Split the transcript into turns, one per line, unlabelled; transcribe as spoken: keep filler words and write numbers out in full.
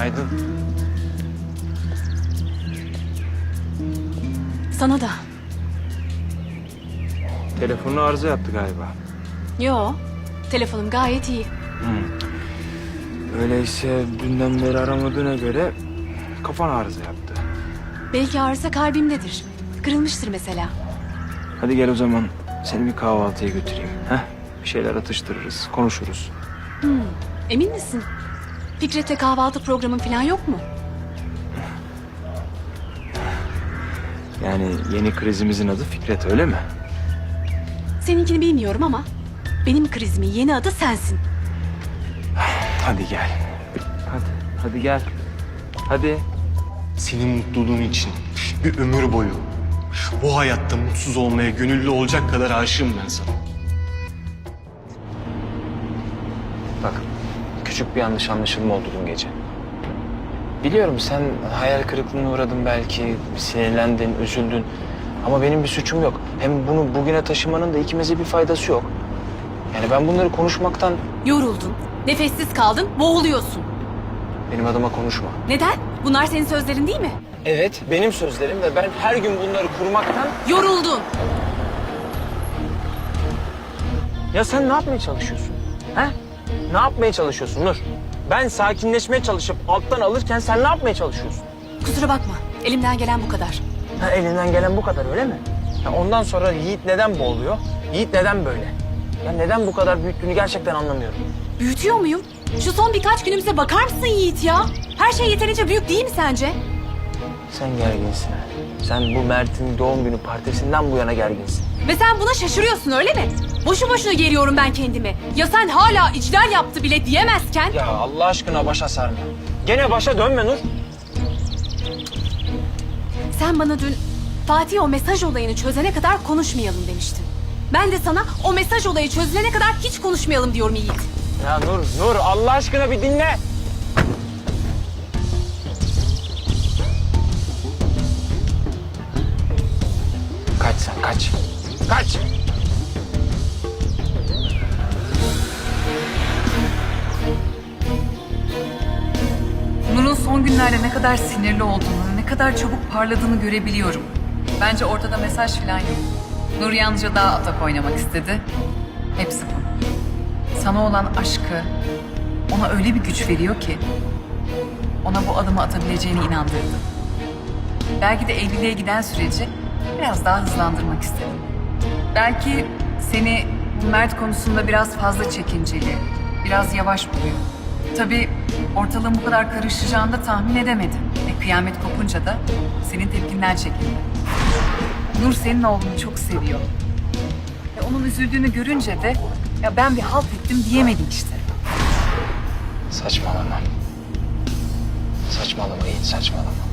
Günaydın.
Sana da.
Telefonu arıza yaptı galiba.
Yo, telefonum gayet iyi.
Öyleyse dünden beri aramadığına göre kafan arıza yaptı.
Belki ağrısa kalbimdedir. Kırılmıştır mesela.
Hadi gel o zaman seni bir kahvaltıya götüreyim. Heh, bir şeyler atıştırırız, konuşuruz.
Emin misin? Fikret'le kahvaltı programın falan yok mu?
Yani yeni krizimizin adı Fikret, öyle mi?
Seninkini bilmiyorum ama benim krizimin yeni adı sensin.
Hadi gel. Hadi, hadi gel. Hadi.
Senin mutluluğun için bir ömür boyu bu hayatta mutsuz olmaya gönüllü olacak kadar aşığım ben sana.
Bak, küçük bir yanlış anlaşılma oldu dün gece. Biliyorum sen hayal kırıklığına uğradın belki, sinirlendin, üzüldün. Ama benim bir suçum yok. Hem bunu bugüne taşımanın da ikimize bir faydası yok. Yani ben bunları konuşmaktan
Yoruldun, nefessiz kaldın, boğuluyorsun.
benim adıma konuşma.
Neden? Bunlar senin sözlerin değil mi?
Evet, benim sözlerim ve ben her gün bunları kurmaktan...
Yoruldun.
Ya sen ne yapmaya çalışıyorsun? He? Ne yapmaya çalışıyorsun Nur? Ben sakinleşmeye çalışıp alttan alırken sen ne yapmaya çalışıyorsun?
Kusura bakma, elimden gelen bu kadar.
Ha, elinden gelen bu kadar öyle mi? Ya ondan sonra Yiğit neden boğuluyor? Yiğit neden böyle? Ya neden bu kadar büyüttüğünü gerçekten anlamıyorum.
Büyütüyor muyum? Şu son birkaç günümüze bakar mısın Yiğit ya? Her şey yeterince büyük değil mi sence?
Sen gerginsin. Sen bu Mert'in doğum günü partisinden bu yana gerginsin.
Ve sen buna şaşırıyorsun öyle mi? Boşu boşuna geriyorum ben kendimi. Ya sen hala iclal yaptı bile diyemezken...
Ya Allah aşkına başa sarma. Gene başa dönme Nur.
Sen bana dün Fatih o mesaj olayını çözene kadar konuşmayalım demiştin. Ben de sana o mesaj olayı çözülene kadar hiç konuşmayalım diyorum Yiğit.
Ya Nur, Nur Allah aşkına bir dinle. Kaç sen, kaç. Kaç.
Nur'un son günlerde ne kadar sinirli olduğunu, ne kadar çabuk parladığını görebiliyorum. Bence ortada mesaj falan yok. Nur yalnızca daha atak oynamak istedi. Hepsi bu. Sana olan aşkı ona öyle bir güç veriyor ki ona bu adımı atabileceğine inandırdı. Belki de evliliğe giden süreci biraz daha hızlandırmak istedim. Belki seni Mert konusunda biraz fazla çekinceli, biraz yavaş buluyor. Tabii ortalığın bu kadar karışacağını da tahmin edemedim. E, kıyamet kopunca da senin tepkinden çekindi. Nur senin oğlunu çok seviyor. Ve onun üzüldüğünü görünce de ya ben bir halt ettim diyemedim işte.
Saçmalama. Saçmalama Yiğit, saçmalama.